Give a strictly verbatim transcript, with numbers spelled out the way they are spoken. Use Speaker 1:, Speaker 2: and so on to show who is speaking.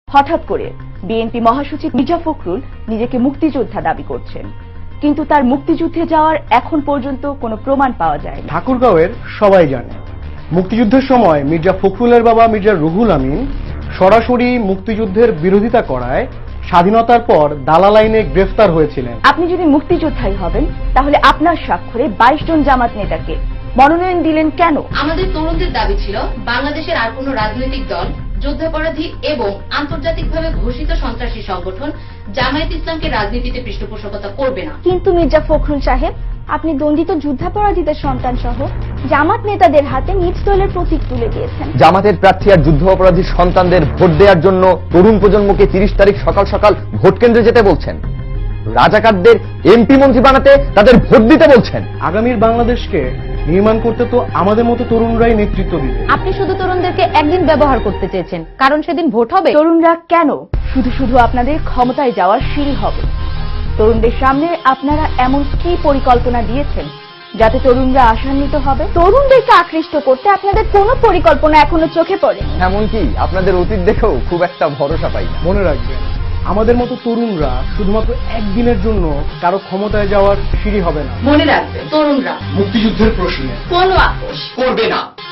Speaker 1: হঠাৎ করে বিএনপি মহাসচিব মির্জা ফখরুল নিজেকে মুক্তিযোদ্ধা দাবি করছেন, কিন্তু তার মুক্তিযুদ্ধে যাওয়ার এখন পর্যন্ত কোনো প্রমাণ পাওয়া যায়নি।
Speaker 2: ঠাকুরগাঁওয়ের সবাই জানে মুক্তিযুদ্ধের সময় মির্জা ফখরুলের বাবা মির্জা রুহুল আমিন সরাসরি মুক্তিযুদ্ধের বিরোধিতা করায় স্বাধীনতার পর দালাল আইনে গ্রেফতার হয়েছিলেন।
Speaker 1: আপনি যদি মুক্তিযোদ্ধাই হবেন তাহলে আপনার স্বাক্ষরে বাইশ জন জামাত নেতাকে মনোনয়ন দিলেন কেন?
Speaker 3: আমাদের তরুণদের দাবি ছিল বাংলাদেশের আর কোনো রাজনৈতিক দল, যুদ্ধাপরাধী এবং আন্তর্জাতিকভাবে ঘোষিত সন্ত্রাসী সংগঠন জামায়াত ইসলামকে রাজনীতিতে পৃষ্ঠপোষকতা করবে না।
Speaker 4: কিন্তু মির্জা ফখরুল সাহেব, আপনি দণ্ডিত যুদ্ধাপরাধীদের সন্তান সহ জামাত নেতাদের হাতে নিজ দলের প্রতীক তুলে দিয়েছেন।
Speaker 5: জামাতের প্রার্থী আর যুদ্ধ অপরাধী সন্তানদের ভোট দেওয়ার জন্য তরুণ প্রজন্মকে তিরিশ তারিখ সকাল সকাল ভোট কেন্দ্রে যেতে বলছেন। রাজাকারদের এমপি মন্ত্রী বানাতে তাদের ভোট দিতে বলছেন।
Speaker 2: আগামীর বাংলাদেশকে নির্মাণ করতে তো আমাদের মতো তরুণরাই নেতৃত্ব দিবে।
Speaker 6: আপনি শুধু তরুণদেরকে একদিন ব্যবহার করতে চেয়েছেন, কারণ সেদিন ভোট হবে।
Speaker 1: তরুণরা কেন শুধু শুধু আপনাদের ক্ষমতায় যাওয়ার সিঁড়ি হবে? তরুণদের সামনে আপনারা এমন কি পরিকল্পনা দিয়েছেন যাতে তরুণরা আশান্বিত হবে?
Speaker 4: তরুণদেরকে আকৃষ্ট করতে আপনাদের কোনো পরিকল্পনা এখনো চোখে পড়েনি।
Speaker 5: এমনকি আপনাদের অতীত দেখেও খুব একটা ভরসা পাই না।
Speaker 2: মনে রাখবেন, আমাদের মতো তরুণরা শুধুমাত্র একদিনের জন্য কারো ক্ষমতায় যাওয়ার সিঁড়ি হবে না।
Speaker 3: মনে রাখবেন, তরুণরা
Speaker 2: মুক্তিযুদ্ধের প্রশ্নে
Speaker 3: কোনো আপোষ
Speaker 5: করবে না।